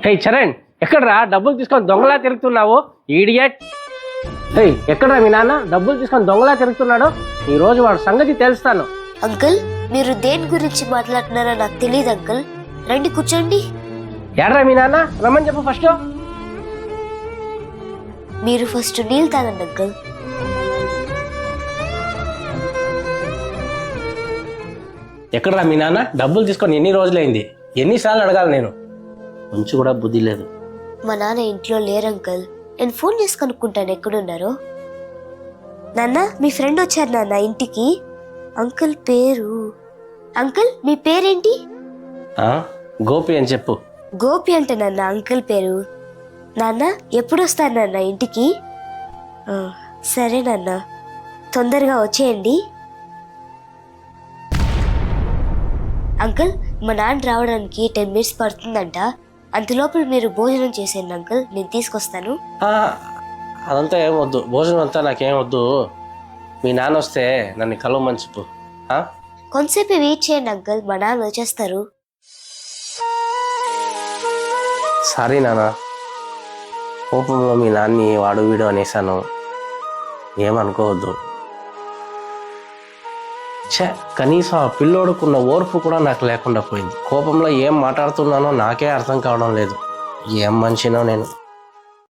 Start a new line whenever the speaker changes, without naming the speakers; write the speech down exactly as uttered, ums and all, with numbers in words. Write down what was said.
హే చరణ్, ఎక్కడరా డబ్బులు తీసుకొని దొంగలా తిరుగుతున్నావు ఈడియట్? హే ఎక్కడరా మీ నాన్న డబ్బులు తీసుకొని దొంగలా తిరుగుతున్నాడు? ఈ రోజు వాడు సంగతి తెలుస్తాను.
అంకుల్, మీరు దేని గురించి మాట్లాడుతున్నారో నాకు తెలియదు అంకుల్. రండి కూర్చోండి.
ఎడరా మీ నాన్న, రమ్మని చెప్పు ఫస్ట్.
మీరు ఫస్ట్ నీళ్ళు తాగండి అంకుల్.
ఎక్కడరా మీ నాన్న డబ్బులు తీసుకొని ఎన్ని రోజులైంది? ఎన్నిసార్లు అడగాలి నేను? కొంచెం కూడా బుద్ధి లేదు.
మా నాన్న ఇంట్లో లేరు అంకుల్. నేను ఫోన్ చేసి కనుక్కుంటాను ఎక్కడున్నారో. నాన్న, మీ ఫ్రెండ్ వచ్చారు నాన్న ఇంటికి. అంకుల్ పేరు అంకుల్ మీ పేరేంటి?
ఆ, గోపి అని చెప్పు.
గోపి అంట నాన్న అంకుల్ పేరు. నాన్న ఎప్పుడు వస్తారు నాన్న ఇంటికి? ఆ, సరే నాన్న, తొందరగా వచ్చేయండి. అంకుల్, మా నాన్న రావడానికి టెన్ మినిట్స్ పడుతుందంట. అంతలోపల మీరు భోజనం చేసేయండి అంకుల్, నేను తీసుకొస్తాను.
ఆ, అదంతా ఏం వద్దు, భోజనం అంతా నాకేం వద్దు. మీ నాన్న వస్తే నన్ను కలవమని చెప్పు.
కొంతసేపు వెయిట్ చేయండి అంకుల్, మా నాన్న వచ్చేస్తారు.
సారీ నాన్న, కోపంలో మీ నాన్ని వాడు వీడు అనేసాను, ఏమనుకోవద్దు. ఛే, కనీసం ఆ పిల్లోడుకున్న ఓర్పు కూడా నాకు లేకుండా పోయింది. కోపంలో ఏం మాట్లాడుతున్నానో నాకే అర్థం కావడం లేదు. ఏం మనిషినో నేను.